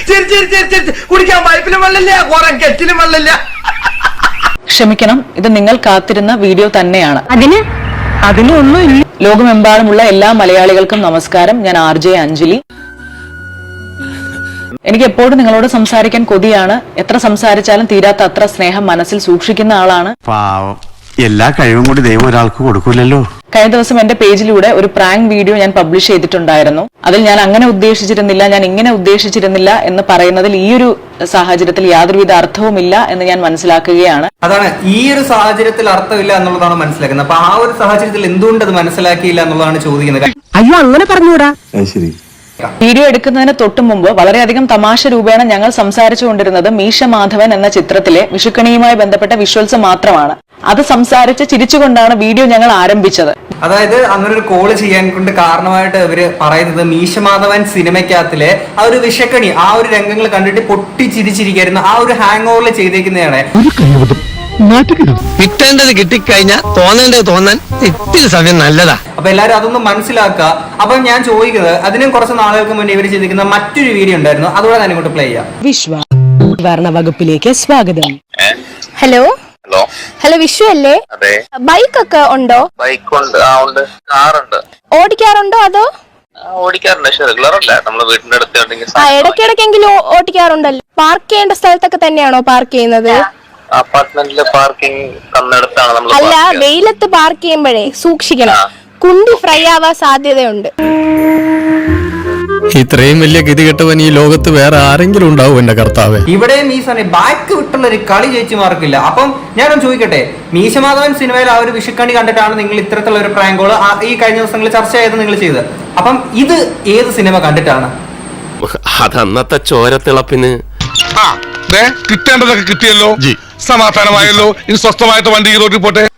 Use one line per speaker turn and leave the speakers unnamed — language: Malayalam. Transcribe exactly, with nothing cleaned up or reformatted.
ചിരി ചിരി ചിരി ചിരി കുടിക്കാൻ പൈപ്പിലും വെള്ളമില്ല, കുറെ കെറ്റിലും വെള്ളമില്ല.
ക്ഷമിക്കണം, ഇത് നിങ്ങൾ കാത്തിരുന്ന വീഡിയോ തന്നെയാണ്.
അതിന്
അതിനൊന്നും ലോകമെമ്പാടുമുള്ള എല്ലാ മലയാളികൾക്കും നമസ്കാരം. ഞാൻ ആർ ജെ അഞ്ജലി. എനിക്ക് എപ്പോഴും നിങ്ങളോട് സംസാരിക്കാൻ കൊതിയാണ്. എത്ര സംസാരിച്ചാലും തീരാത്ത അത്ര സ്നേഹം മനസ്സിൽ സൂക്ഷിക്കുന്ന ആളാണ്.
പാവം, എല്ലാ കഴിവും കൂടി ദൈവം ഒരാൾക്ക് കൊടുക്കൂലല്ലോ.
കഴിഞ്ഞ ദിവസം എന്റെ പേജിലൂടെ ഒരു പ്രാങ്ക് വീഡിയോ ഞാൻ പബ്ലിഷ് ചെയ്തിട്ടുണ്ടായിരുന്നു. അതിൽ ഞാൻ അങ്ങനെ ഉദ്ദേശിച്ചിരുന്നില്ല, ഞാൻ ഇങ്ങനെ ഉദ്ദേശിച്ചിരുന്നില്ല എന്ന് പറയുന്നതിൽ ഈ ഒരു സാഹചര്യത്തിൽ യാതൊരുവിധ അർത്ഥവുമില്ല എന്ന് ഞാൻ മനസ്സിലാക്കുകയാണ്.
അതാണ് ഈ ഒരു സാഹചര്യത്തിൽ അർത്ഥമില്ല എന്നുള്ളതാണ് മനസ്സിലാക്കുന്നത്. അപ്പൊ ആ ഒരു സാഹചര്യത്തിൽ എന്തുകൊണ്ട് അത് മനസ്സിലാക്കിയില്ല എന്നുള്ളതാണ് ചോദിക്കുന്നത്.
അയ്യോ അങ്ങനെ പറഞ്ഞൂടാ.
ശരി,
വീഡിയോ എടുക്കുന്നതിന് തൊട്ടു മുമ്പ് വളരെയധികം തമാശ രൂപേണ ഞങ്ങൾ സംസാരിച്ചുകൊണ്ടിരുന്നത് മീശ മാധവൻ എന്ന ചിത്രത്തിലെ വിഷുക്കണിയുമായി ബന്ധപ്പെട്ട വിഷ്വൽസ് മാത്രമാണ്. അത് സംസാരിച്ച് ചിരിച്ചുകൊണ്ടാണ് വീഡിയോ ഞങ്ങൾ ആരംഭിച്ചത്.
അതായത് അങ്ങനെ ഒരു കോള് ചെയ്യാൻ കൊണ്ട് കാരണമായിട്ട് ഇവര് പറയുന്നത് മീശമാധവൻ സിനിമയ്ക്കകത്തിലെ ആ ഒരു വിഷക്കണി, ആ ഒരു രംഗങ്ങൾ കണ്ടിട്ട് പൊട്ടി ചിരിച്ചിരിക്കായിരുന്നു. ആ ഒരു ഹാങ് ഓവറിൽ ചെയ്തേക്കുന്നതാണ്.
കിട്ടേണ്ടത് കിട്ടിക്കഴിഞ്ഞാൽ തോന്നേണ്ടത് തോന്നാൻ ഇത്തിരി സമയം നല്ലതാ.
അപ്പൊ എല്ലാരും അതൊന്നും മനസ്സിലാക്കുക. അപ്പൊ ഞാൻ ചോദിക്കുന്നത്, അതിനും കുറച്ച് നാളുകൾക്ക് മുന്നേ ഇവർ ചെയ്തിരിക്കുന്ന മറ്റൊരു വീഡിയോ ഉണ്ടായിരുന്നു, അതുകൂടെ ഞാൻ ഇങ്ങോട്ട് പ്ലേ ചെയ്യാം.
വിശ്വ ഭരണ വകുപ്പിലേക്ക് സ്വാഗതം.
ഹലോ
ഹലോ
ഹലോ വിഷു അല്ലേ?
അതെ.
ബൈക്ക് ഒക്കെ ഉണ്ടോ?
ബൈക്ക് ഉണ്ട്, ആ ഉണ്ട്. കാറുണ്ട്.
ഓടിക്കാറുണ്ടോ അതോ?
ഓടിക്കാറുണ്ട്, പക്ഷെ റെഗുലർ അല്ല. നമ്മള് വീടിന്റെ അടുത്ത്
ആ ഇടയ്ക്കിടയ്ക്കെങ്കിലും ഓടിക്കാറുണ്ടല്ലോ. പാർക്ക് ചെയ്യേണ്ട സ്ഥലത്തൊക്കെ തന്നെയാണോ പാർക്ക് ചെയ്യുന്നത്?
അപ്പാർട്ട്മെന്റില് പാർക്കിംഗ് തന്നിടത്താണ് നമ്മൾ.
അല്ല, വെയിലത്ത് പാർക്ക് ചെയ്യുമ്പോഴേ സൂക്ഷിക്കണം, കുണ്ടി ഫ്രൈ ആവാൻ സാധ്യതയുണ്ട്.
ഇത്രയും വലിയ ഗതികെട്ടവൻ ഈ ലോകത്ത് വേറെ ആരെങ്കിലും ഉണ്ടാവും എന്റെ കർത്താവേ.
ഇവിടെയും ഈ സമയം ബാക്ക് വിട്ടുള്ള ഒരു കളി ജയിച്ചു മാർക്കില്ല. അപ്പം ഞാനൊന്ന് ചോദിക്കട്ടെ, മീശമാധവൻ സിനിമയിൽ ആ ഒരു വിഷുക്കണി കണ്ടിട്ടാണ് നിങ്ങൾ ഇത്തരത്തിലുള്ള ഒരു പ്രാങ്കോള് ഈ കഴിഞ്ഞ ദിവസങ്ങളിൽ ചർച്ച ചെയ്ത് നിങ്ങൾ ചെയ്തത്. അപ്പം ഇത് ഏത് സിനിമ കണ്ടിട്ടാണ്?
അതന്നത്തെ ചോരത്തിളപ്പിന്
കിട്ടേണ്ടതൊക്കെ കിട്ടിയല്ലോ, സമാധാനമായല്ലോ. ഇനി സ്വസ്ഥമായിട്ട് വണ്ടി റോഡിൽ പോട്ടെ.